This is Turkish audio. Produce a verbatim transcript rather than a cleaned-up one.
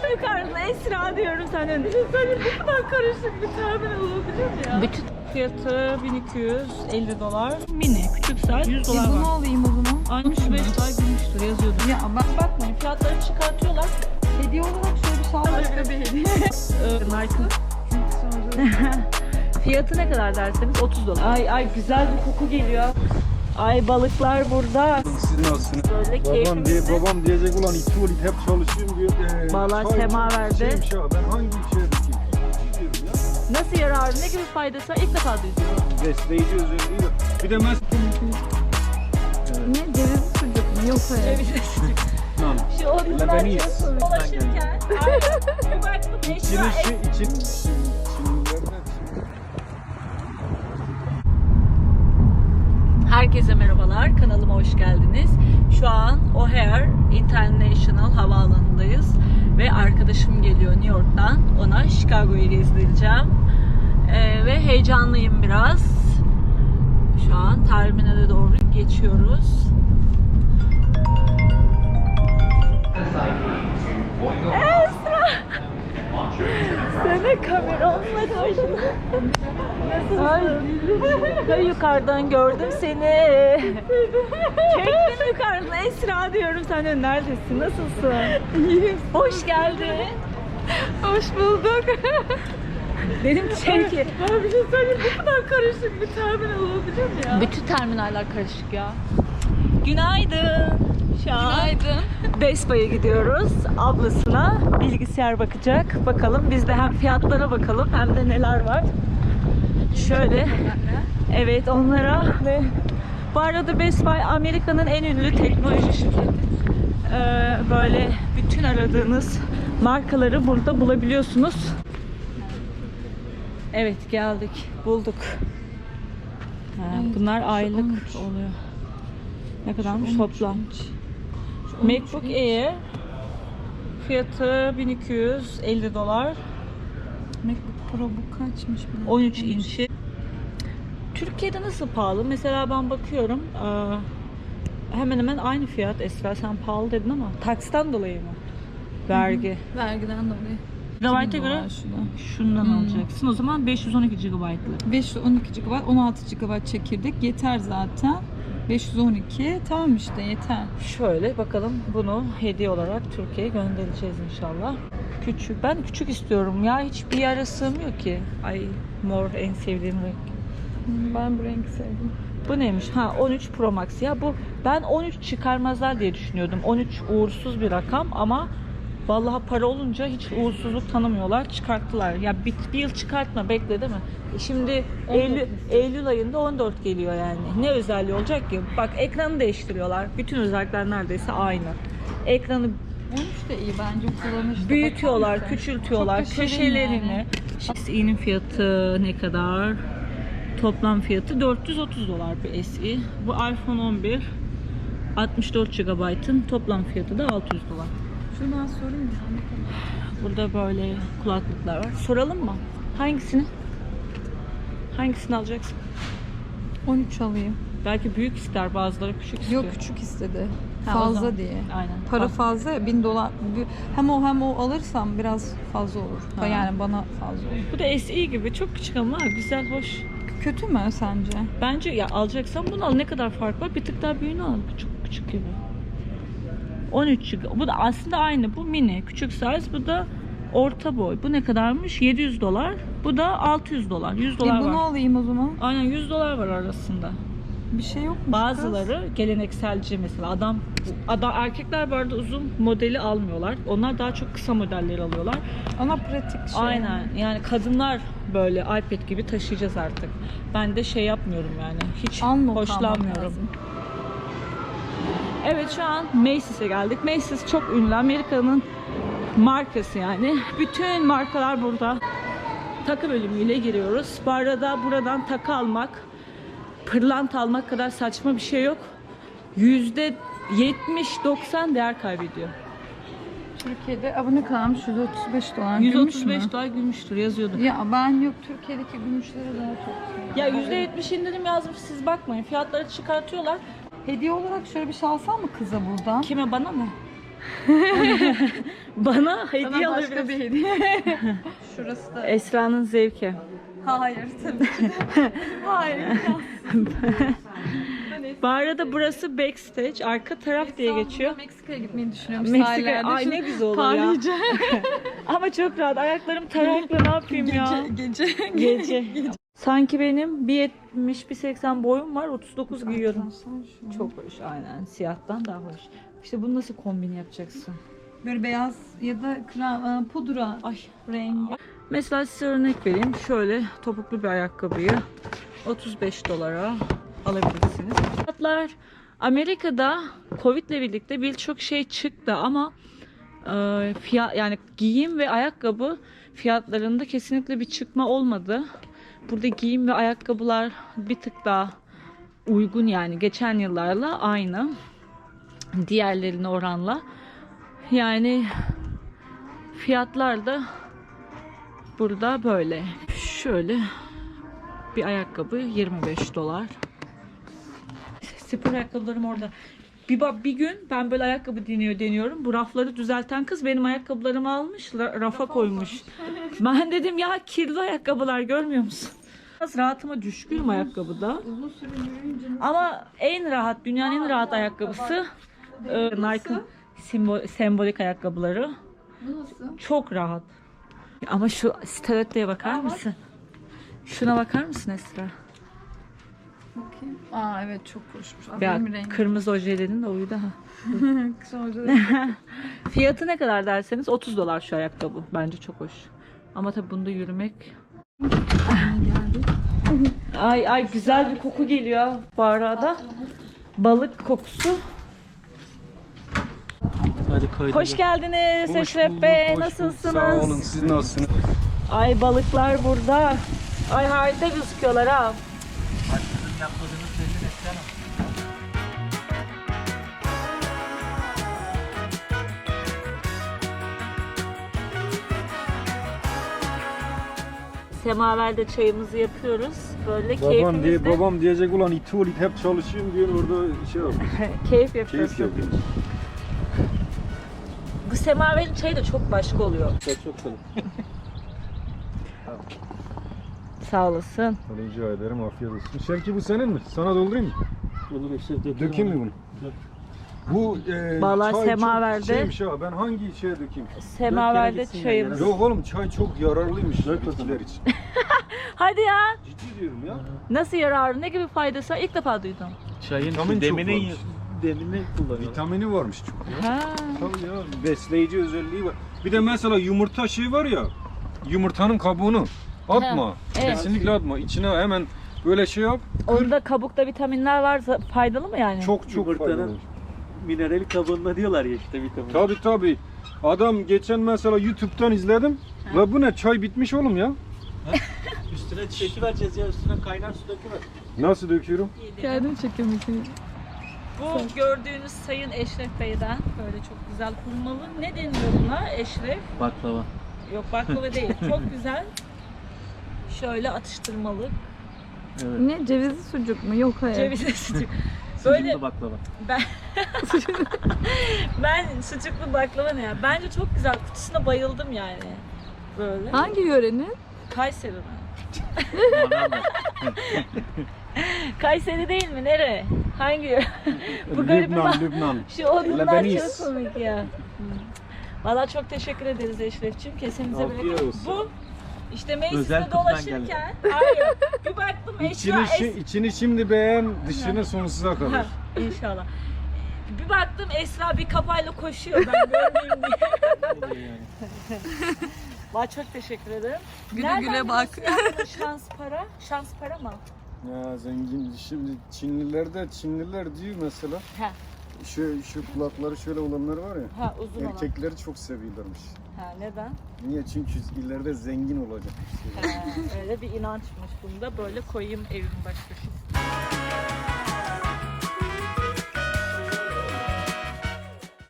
yukarıda Esra diyorum sana. Düşünsene bu kadar karışık bir terminal olabilir mi ya? Bütün fiyatı bin iki yüz elli dolar. Mini, küçük size yüz dolar E bunu var. alayım o zaman. altmış beş dolar gümüştür yazıyordu. Ya bak Bakmayın fiyatları çıkartıyorlar. hediye olarak şöyle bir sağlık bir hediye. Nike'ın. Fiyatı ne kadar derseniz otuz dolar. Ay ay güzel bir koku geliyor. Ay balıklar burada. Siz nasılsınız? Böyle Babam, diye, keyfimizde. babam diyecek ulan iki olit hep çalışıyorum diyor. Ee, Vallahi çay sema çok verdi. şeymiş ya, ben hangi şeye dikeyim? Gidiyorum ya. Nasıl yararı, ne gibi faydası var? İlk defa duyuyorum. Besleyici özelliği de. Bir de mes... Ne ceviz sucuk mu? Yok hayır. Lan. Şu oyunlar Lebanese. açıyorsun. Dolaşırken. Ay, bir baktım Esra. İçini şey, için... Şimdilerden... Herkese merhabalar, kanalıma hoş geldiniz. Şu an O'Hare International Havaalanı'ndayız ve arkadaşım geliyor New York'tan. Ona Chicago'yu gezdireceğim ee, ve heyecanlıyım biraz. Şu an terminale doğru geçiyoruz. Esra! Sana kameramla karşıladım. Nasılsın? Ben yukarıdan gördüm seni. Çektim yukarıdan Esra diyorum sana. Neredesin? Nasılsın? İyiyim. Hoş geldin. Hoş bulduk. Dedim çek. Ben bir şey söyleyeyim, bu kadar karışık bir terminal olabilir mi ya? Bütün terminaller karışık ya. Günaydın. Şu an Günaydın. Best Buy'a gidiyoruz. Ablasına bilgisayar bakacak. Bakalım biz de hem fiyatlara bakalım hem de neler var. Şöyle. Evet onlara ve bu arada Best Buy Amerika'nın en ünlü teknoloji şirketi. Ee, böyle bütün aradığınız markaları burada bulabiliyorsunuz. Evet geldik. Bulduk. Ha, Evet, bunlar aylık on üç. oluyor. Ne kadarmış on üç, toplam? on üç. MacBook Air fiyatı bin iki yüz elli dolar. MacBook Pro bu kaçmış? bile? on üç inçi. Türkiye'de nasıl pahalı? Mesela ben bakıyorum eee, hemen hemen aynı fiyat. Esra sen pahalı dedin ama taksiden dolayı mı? Vergi. Vergiden dolayı. Gigabyte'a göre şundan Hmm. alacaksın. O zaman beş yüz on iki gigabaytlık. beş yüz on iki gigabayt, on altı gigabayt çekirdek yeter zaten. beş yüz on iki tamam işte yeter. Şöyle bakalım bunu hediye olarak Türkiye'ye göndereceğiz inşallah. Küçük. Ben küçük istiyorum ya. Hiçbir yere sığmıyor ki. Ay mor en sevdiğim renk. Ben bu rengi sevdim. Bu neymiş? Ha on üç Pro Max. Ya bu ben on üç çıkarmazlar diye düşünüyordum. on üç uğursuz bir rakam ama vallahi para olunca hiç uğursuzluk tanımıyorlar. Çıkarttılar. Ya bir, bir yıl çıkartma bekle değil mi? E Şimdi Eylül, Eylül ayında on dört geliyor yani. Ne özelliği olacak ki? Bak ekranı değiştiriyorlar. Bütün özellikler neredeyse aynı. Ekranı on üç de iyi bence kullanışlı. büyütüyorlar, Bakar mısın? küçültüyorlar, Çok da şirin köşelerini. yani. S E'nin fiyatı ne kadar? Toplam fiyatı dört yüz otuz dolar bir S E. Bu iPhone on bir altmış dört gigabaytın toplam fiyatı da altı yüz dolar. Şunu ben sorayım mı? Ne kadar? Burada böyle kulaklıklar var. Soralım mı? Hangisini? Hangisini alacaksın? on üç alayım. Belki büyük ister, bazıları küçük istiyor. Yok küçük istedi. Ha, o Fazla zaman. diye. Aynen. Para Fazla. fazla ya, bin dolar. Hem o hem o alırsam biraz fazla olur. Ha. Yani bana fazla olur. Bu da S E gibi çok küçük ama güzel, hoş. Kötü mü sence? Bence ya alacaksan bunu al. Ne kadar fark var? Bir tık daha büyüğünü al. Çok küçük gibi. on üç giga. Bu da aslında aynı. Bu mini. Küçük size. Bu da orta boy. Bu ne kadarmış? yedi yüz dolar. Bu da altı yüz dolar. yüz E dolar bunu var. alayım o zaman. Aynen yüz dolar var arasında. Bir şey yok mu? Bazıları gelenekselci mesela. Adam, adam erkekler bu arada uzun modeli almıyorlar. Onlar daha çok kısa modelleri alıyorlar. Ana pratik şey. Aynen. Yani kadınlar böyle iPad gibi taşıyacağız artık. Ben de şey yapmıyorum yani. Hiç Unlock almak hoşlanmıyorum. lazım. Evet şu an Macy's'e geldik. Macy's çok ünlü. Amerika'nın markası yani. Bütün markalar burada. Takı bölümüyle giriyoruz. Bu arada buradan takı almak, pırlanta almak kadar saçma bir şey yok. yüzde yetmiş doksan değer kaybediyor. Türkiye'de abone kadarmış yüz otuz beş dolar. yüz Gümüş otuz beş mü? dolar gümüştür yazıyordu. Ya ben yok, Türkiye'deki gümüşlere daha çok. Ya yüzde yetmiş indirim yazmış, siz bakmayın. Fiyatları çıkartıyorlar. Hediye olarak şöyle bir şey alsam mı kıza buradan? Kime, bana mı? Bana hediye Sana başka alabilirsin. bir hediye. Şurası da. Esra'nın zevki. Hayır tabii ki de. Hayır. Bu arada burası backstage, arka taraf diye geçiyor. Meksika'ya gitmeyi düşünüyorum. Meksika, sahillerde. ay Şu ne güzel olur ya. parlayacak. Ama çok rahat. Ayaklarım tarakla ne yapayım ya? Gece, Gece. Sanki benim bir yetmiş bir seksen boyum var, otuz dokuz giyiyorum. Çok hoş, aynen. Siyahtan daha hoş. İşte bunu nasıl kombin yapacaksın? Böyle beyaz ya da krem, pudra Ay. rengi. Mesela size örnek vereyim. Şöyle topuklu bir ayakkabıyı otuz beş dolara alabilirsiniz. Fiyatlar Amerika'da Covid ile birlikte birçok şey çıktı ama e, fiyat yani giyim ve ayakkabı fiyatlarında kesinlikle bir çıkma olmadı. Burada giyim ve ayakkabılar bir tık daha uygun, yani geçen yıllarla aynı. Diğerlerine oranla. Yani fiyatlar da burada böyle. Şöyle bir ayakkabı yirmi beş dolar. Spor ayakkabılarım orada. Bir, ba- bir gün ben böyle ayakkabı deniyor deniyorum. Bu rafları düzelten kız benim ayakkabılarımı almış, ra- rafa koymuş. Ben dedim ya, kirli ayakkabılar görmüyor musun? Biraz rahatıma düşkünüm ayakkabıda. Uzun süre yürüyünce Ama en rahat, dünyanın en rahat ayakkabısı e, Nike'ın simbol, sembolik ayakkabıları. bu nasıl? Çok rahat. Ama şu stilettoya bakar mısın? Şuna bakar mısın Esra? Bakayım. Aa evet çok hoşmuş. Aa, Ya benim rengim. kırmızı ojelerin de uydu ha. Kısa olacak. Fiyatı ne kadar derseniz otuz dolar şu ayakkabı. Bence çok hoş. Ama tabii bunda yürümek. geldi. Ay ay güzel bir koku geliyor bu arada. Balık kokusu. Hadi kaydı. Hoş geldiniz Eşref Bey. Nasılsınız? Sağ olun. Siz nasılsınız? Ay balıklar burada. Ay harika gözüküyorlar ha. Semaverde çayımızı yapıyoruz. Böyle Babam, diye, keyfimizde babam diyecek ulan iti ol it hep çalışıyorum diyor orada şey yap. keyif yapıyoruz. Keyif yapıyor. Bu semaverin çayı da çok başka oluyor. Çok çok sağ olun. Sağ olasın. Rica ederim, afiyet olsun. Şevki bu senin mi? Sana doldurayım mı? Olur işte dökeyim. Dökeyim mi bunu? Bu e, Vallahi çay semaverde- çok şeymiş ha. Ben hangi şeye dökeyim? Semaverde gitsin çayımız. Yok oğlum, çay çok yararlıymış Dök bitkiler bakalım. için. Hadi ya. Ciddi diyorum ya. Nasıl yararı? Ne gibi faydası var? İlk defa duydum. Çayın Vitamin çok demini, varmış. demini kullanıyor. Vitamini varmış çok ya. Ha. Tabii ya, besleyici özelliği var. Bir de mesela yumurta şey var ya, yumurtanın kabuğunu atma. Ha, evet. Kesinlikle atma. İçine hemen böyle şey yap. Onda kabukta vitaminler var. Faydalı mı yani? Çok çok Yumurtanın faydalı. mineral kabuğunda diyorlar ya işte vitamin. Tabii tabii. Adam geçen mesela YouTube'dan izledim. La bu ne, çay bitmiş oğlum ya. Üstüne çeki vereceğiz ya, üstüne kaynar su döküver. Nasıl döküyorum? Geldim çekemekini. Bu gördüğünüz Sayın Eşref Bey'den böyle çok güzel hurmalı. Ne deniyor buna Eşref? Baklava. Yok baklava değil. Çok güzel. Şöyle atıştırmalık. Evet. Ne cevizli sucuk mu? Yok hayır. Cevizli sucuk. Böyle Böyle baklava. ben ben sucuklu baklava ne ya? Bence çok güzel. Kutusuna bayıldım yani. Böyle. Hangi yörenin? Kayseri'den. Manavda. Kayseri değil mi? Nere? Hangi yöre? Bu garibim. Lübnan, Lübnan. Şu odunlar Lebanese. çok komik ya. Valla çok teşekkür ederiz Eşref'ciğim. Kesinize Afiyet bereket. olsun. Bu işte Özel mecliste kutudan dolaşırken hayır bir baktım Esra İçini, es- şi- içini şimdi beğen, dışını sonsuza Ha, kadar. İnşallah. Bir baktım Esra bir kafayla koşuyor ben görmeyeyim diye. Oluyor yani. Valla çok teşekkür ederim. Güle Nereden güle bak. biliyorsun ya bunu şans para? Şans para mı? Ya zengin, şimdi Çinliler de, Çinliler diyor mesela. Ha, Şu, şu kulakları şöyle olanlar var ya. ha uzun olan. Erkekleri çok seviyorlarmış. Ha, neden? Niye? Çünkü ileride zengin olacak. Ha, öyle bir inançmış bunda. Böyle koyayım evimin baş köşesine.